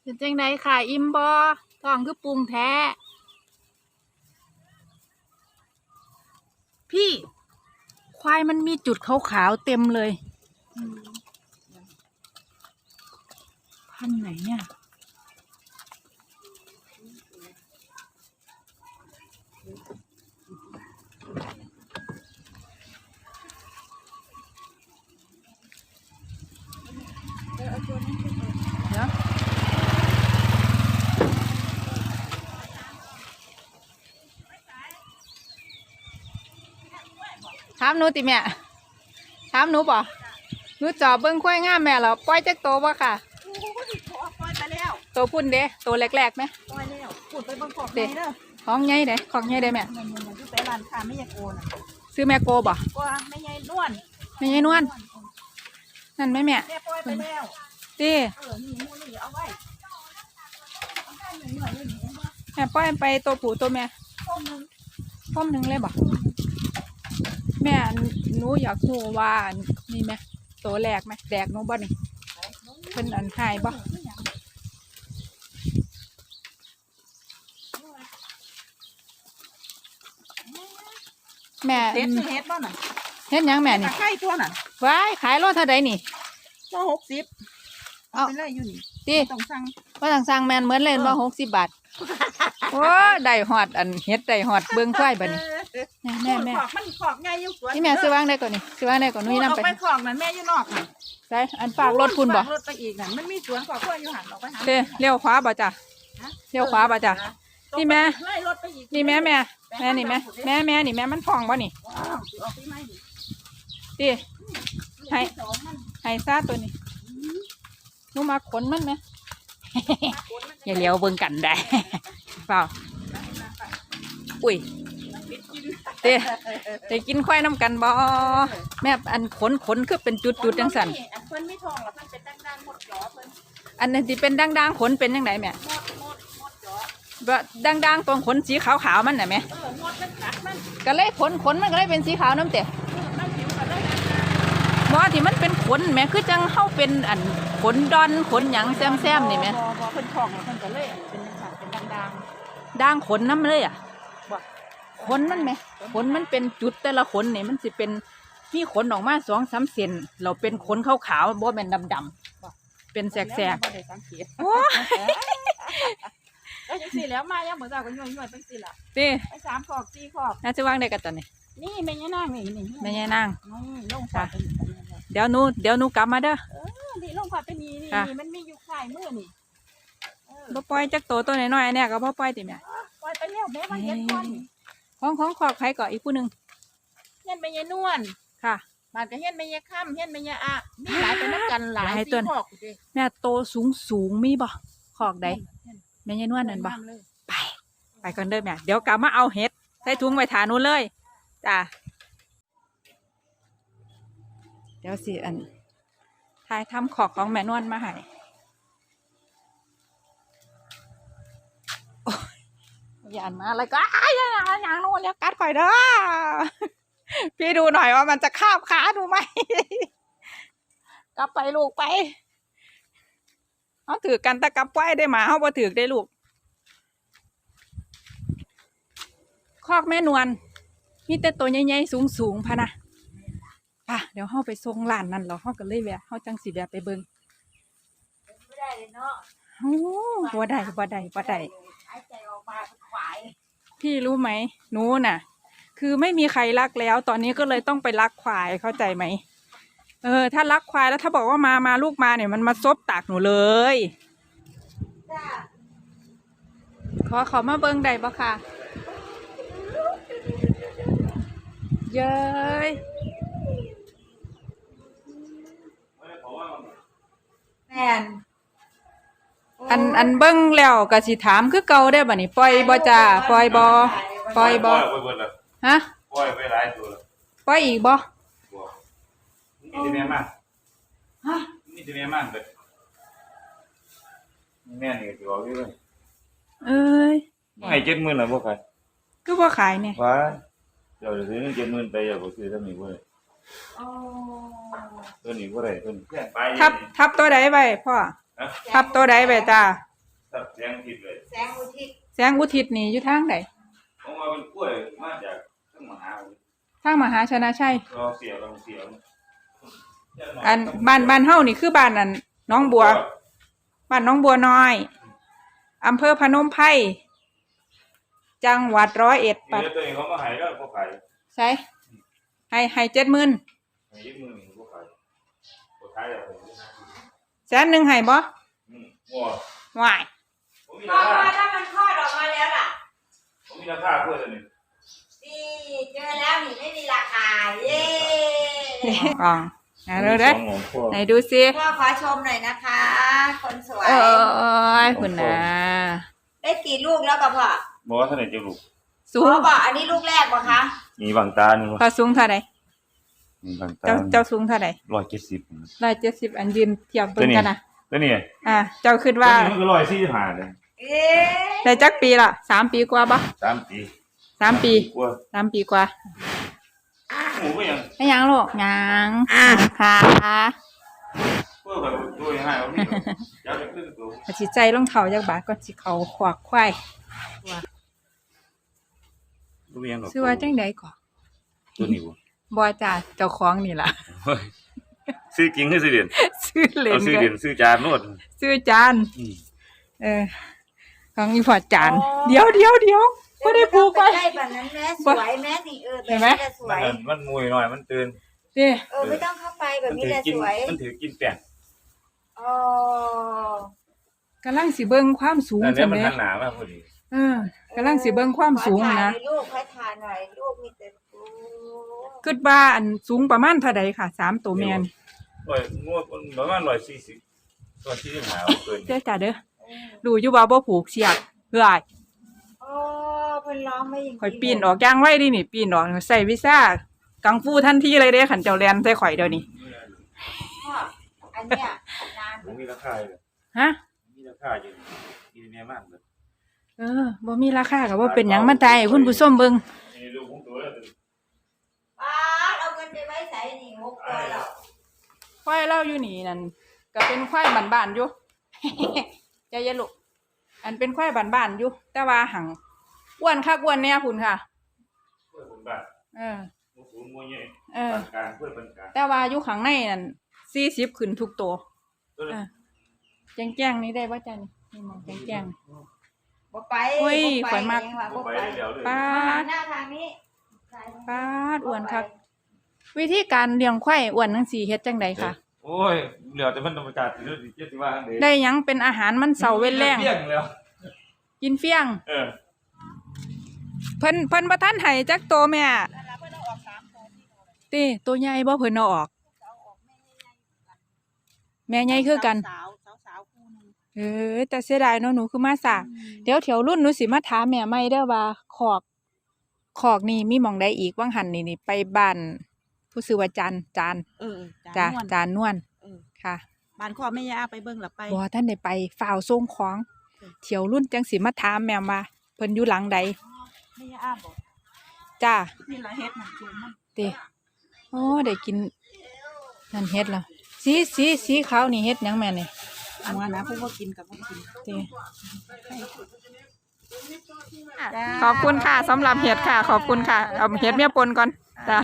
เป็นจังไดค่ะอิ่มบ่ท้องคือปรุงแท้พี่ควายมันมีจุดขาวๆเต็มเลยพันธุ์ไหนเนี่ยเดี๋ยวถามหนูติแม่ถามหนูป่ะหนูจอบเบิ้งควายงามแม่เหรอปล่อยจักโตบ่ค่ะปล่อยไปแล้วโตพุ่นเด้โตแรกๆไหมปล่อยแล้วขุดไปบางขอบเด้อของใหญ่เด้ของใหญ่เด้แม่มันอยู่ไปร้านค้าไม่ยากโกนซื้อแม่โกบ่ก็ไม่ใหญ่นวลไม่ใช่นวลนั่นไหมแม่แม่ปล่อยไปแล้วดินี่มูนี่เอาไว้แม่ปล่อยไปตัวผู้ตัวแม่ต้มนึงพร้อมหนึ่งเลยบ่แม่หนูอยากรู้ว่านี่ไหมตัวแรกไหมแดกหนูบ่นี่เป็นอันหายบ่แม่เฮ็ดบ้าน่ะเฮ็ดยังแม่นี่ไข่ตัวน่ะว้ายขายโลเท่าใดนี่ก็60เอาไปเลยอยู่นี่ดิต้องสั่งว่าสั่งแม่นเหมือนเล่นว่า60 บาทโอ้ได้ฮอดอันเฮ็ดได้ฮอดเบิ่งควายบัดนี้แม่มันขอกไงอยู่สวนนี่แม่ซื้อวางได้ก่อนนี่ซื้อวางได้ก่อนนุ้ยนำไปขอกนั่นแม่อยู่นอกน่ะได้อันฝากรถคุณบ่รถไปอีกนั่นมันมีสวนขอกกล้วยอยู่หันออกไปหาเด้เลี้ยวขวาบ่จ้ะเลี้ยวขวาบ่จ้ะนี่แม่นี่แม่นี่แม่นี่แม่มันพองบ่นี่ดิให้ซาตัวนี้หนูมาขนมันไหมอย่าเลี้ยวเบิ่งกันได้เปล่าอุ้ยได้กินควายน้ำกันบ่แม่อันขนคือเป็นจุดจังสันเพิ่นไม่ทองหรอกเพิ่นเป็นดังๆหมดจ่อเพิ่นอันนี้ที่เป็นดังๆขนเป็นยังไงแม่หมดจ่อแบบดังๆตรงขนสีขาวๆมันน่ะแม่หมดมันกัดมันก็เลยขนมันก็เลยเป็นสีขาวน้ำเตะมันผิวก็ได้บ่ที่มันเป็นขนแม่คือจังเข้าเป็นอันขนดอนขนหยังแซมๆนี่แม่บ่เพิ่นทองเพิ่นก็เลยเป็นสัตว์เป็นดังด่างขนน้ำเลยอ่ะขนมันไหมขนมันเป็นจุดแต่ละขนนี่มันสิเป็นมีขนออกมา2-3 เซนเราเป็นขนขาวๆบ่เป็นดำๆเป็นแสกๆโอ้แล้วจังซี่แล้วมายังบ่ทราบก็ย่อยๆจังซี่ล่ะติไป3 ขอก4 ขอกน่าจะวางได้กันตอนนี้นี่แม่ย่านางนี่แม่ย่านางลงค่ะเดี๋ยวหนูกลับมาเด้อนี่ลงค่ะเป็นนี่มันมีอยู่ข่ายมือนี่บ่ปล่อยจักตัวน้อยๆเนี่ยก็บ่ปล่อยติแม่ปล่อยไปแล้วแม่มาเฮ็ดก่อนของขอบใครก่ออีกผู้นึงเฮ็ดแม่ยายนวลค่ะบาดก็เฮ็ดแม่ยายค่ำเฮ็ดแม่ยายอะมีหลายไปนำกันหลายตัวแม่โตสูงมีบ่ขอกใดแม่ยายนวลนั่นบ่ไปก่อนเด้อแม่เดี๋ยวกลับมาเอาเห็ดใส่ถุงไว้ถานู้นเลยจ้าเดี๋ยวสิอันทายทำขอกของแม่นวลมาให้อย่ามาอะไรก็อย่างนู้นแล้วกัดข่อยเด้อพี่ดูหน่อยว่ามันจะคาบขาดูไหมกลับไปลูกไปเขาถือกันตะกับไว้ได้หมาเขาบ่ถือได้ลูกคอกแม่นวลมีแต่ตัวใหญ่ๆสูงพะนะป่ะเดี๋ยวเขาไปส่งร้านนั่นเราเขาก็เลยแวะเขาจังสีแวะไปเบิ้งไม่ได้เลยเนาะโอ้บ่ได้พี่รู้ไหมหนูน่ะคือไม่มีใครรักแล้วตอนนี้ก็เลยต้องไปรักควายเข้าใจไหมถ้ารักควายแล้วถ้าบอกว่ามาลูกมาเนี่ยมันมาซบตากหนูเลยขอมาเบิ้งได้ปะค่ะเย้ยแม่นอันเบิ้งแล้วก็สิถามคือเก่าได้บ่นี่ปล่อยบ่จ้าปล่อยบ่ฮะปล่อยไปหลายตัวแล้วปล่อยอีกบ่นี่จะแม่มากฮะนี่จะแม่มากเลยแม่นี่จะบอกอยู่เลยให้70,000น่ะบ่ขายคือบ่ขายเนี่ยว่าเดี๋ยวซื้อ70,000ไปอย่าบ่ซื้อทำนี่บ่ได้ตัวนี้บ่ได้ตัวนี้ทับตัวใดไว้พ่อทับตัวใดไว้จ้าตัดแสงผิดเลยแสงอุทิศแสงอุทิศนี่อยู่ทางใดผมว่าเป็นกล้วยมาจากทั้งมหาวิทยาลัยทางมหาชนะชัยรอเสียวลองเสียวอันบ้านเฮานี่คือบ้านนั่นน้องบัวบ้านน้องบัวน้อยอำเภอพนมไพรจังหวัด101 นี่ปัดตัวเองเขามาหายแล้วเขาขายใช่ให้70,000 หายยืมมือหนึ่งเขาขายเขาขายแบบนี้ 100,000ให้บ่งัววายผมมีพราอคาถ้ามันคลอดออกมาแล้วล่ะผมมีราคาเพื่อนตัวนี้นี่เจอแล้วนี่ไม่มีราคาเย้อ๋อเด้อเด้อไหนดูสิพ่อขอชมหน่อยนะคะ คนสวยคุณนะได้กี่ลูกแล้วกับพ่อบอกว่าเท่าไหร่จะลูกสูพ่งอบอกอันนี้ลูกแรกป่ะคะมีบางตาหนึ่งพอสูงเท่าไหร่มีบางตาเจ้าสูงเท่าไหร่ 170 170อันยืนเทียบเบิ่งกันนะแล้วนี่เจ้าคิดว่ามันก็145เลยเอ๊ะได้จักปีละ3 ปีกว่าบ่ 3 ปี 3 ปีกว่า 3 ปีกว่าหมูก็ยังไม่ยังลูกยังค่ะเพื่อแบบตัวยังไงวะพี่อยากจะขึ้นตัวอาสิใจรองเท้าจักบาทก่อนสิเข้าขวากควายตัวยังหรอกชื่อว่าจังได๋ก่อตัวนี้วะบ่จ้าเจ้าของนี่ล่ะซื้อจริงหรือซื้อเด่นชื่อเล่เอานซื้อกัเด่นนซื้อจานนวดชื่อจานของอีพอจานเดี๋ยวบ่ได้ผูกไว้ใกล้แบบนั้นแม่สวยแม่นี่แบบนี้จะสวยมันมวยหน่อยมันตื่นเด้ไม่ต้องเข้าไปแบบมันนี้ถือแหละกินสวยมันถือกินแป้งอ๋อกำลังสิเบิ่งความสูงแต่เนี้จัยงมันได๋หนามากพอดีกำลังสิเบิ่งความสูงขอถ่ายนะหอยลูกขอถ่ายหน่อยลูกมีแต่โอ้คิดว่าอันสูงประมาณเท่าใดค่ะ3ตัวแม่นงวดประมาณ140 หาเกินเด้อจ้าเด้อรู้อยู่ว่าบ่ผูกเสียกเฮ้ยโอ้เพิ่นร้องไม่อย่างข่อยปีนออกอย่างไว้ดินี่ปีนออกใส่วีซ่ากังฟูทันทีเลยเด้ขันเจ้าแลนใส่ข่อยเดี๋ยวนี้พ่ออันเนี้ยนานผมมีราคาเลยฮะมีราคาอยู่กินแม่มากเลยบ่มีราคาก็บ่เป็นหยังมาตายให้คุณผู้ชมเบิ่งนี่ดูผมตัวแล้วป้าเอาเงินไปไว้ใส่นี่6ตัวแล้วควายเราอยู่นี่นั่นก็เป็นควายบ้านๆอยู่ ใจเย็นลูกอันเป็นควายบ้านๆอยู่ แต่ว่าหังอ้วนคักอ้วนแน่พุ่นค่ะเพื่อนคนบ้านเออมูสูงมูใหญ่เออกลางเพื่อนปานกลางแต่ว่าอยู่ข้างในนั่น40ขึ้นทุกตัวตัวนี้แจ้งๆนี่ได้บ่จ้ะนี่มองแจ้งบ่ไปโอ้ยบ่ข่อยมักเองว่ะบ่บ่ไปไปแล้วเลยๆป้าดหน้าทางนี้ป้าดอ้วนคักวิธีการเลี้ยงควายอ้วนจังซี่เฮ็ดจังไดค่ะโอ้ยเหลือแต่มันธรรมชาติเรื่องที่จะว่าเด้ได้หยังเป็นอาหารมันเสาเว้นแรงเลี้ยงแล้วกินเฟี้ยงเออเพิ่นบ่ทันให้จักโตแม่ติตัวใหญ่บ่เพิ่นเอาออก แม่ใหญ่คือกันสาวคู่นึงแต่เสียดายเนาะหนูคือมาสาเดี๋ยวแถวรุ่นหนูสิมาถามแม่ใหม่เด้อว่าคอกนี่มีหม่องใดอีกว่างหันนี่ไปบ้านผู้ชื่อว่าจานจ้าจานจานนวลเออค่ะบ้านคอแม่ย่าไปเบิ่งหลับไปบ่ท่านได้ไปฝ่าวส่งของเที่ยวรุ่นจังสิมาถามแม่ว่าเพิ่นอยู่หลังใดแม่ย่าบอกจ้านี่ละเฮ็ดมันคือมันเด้โอ้ได้กินนั่นเฮ็ดแล้วสีขาวนี่เฮ็ดหยังแม่นี่อันว่านะเพิ่นบ่กินกับบ่กินเด้ขอบคุณค่ะสำหรับเห็ดค่ะ ขอบคุณค่ะเอาเห็ดเมียปนก่อนจ้า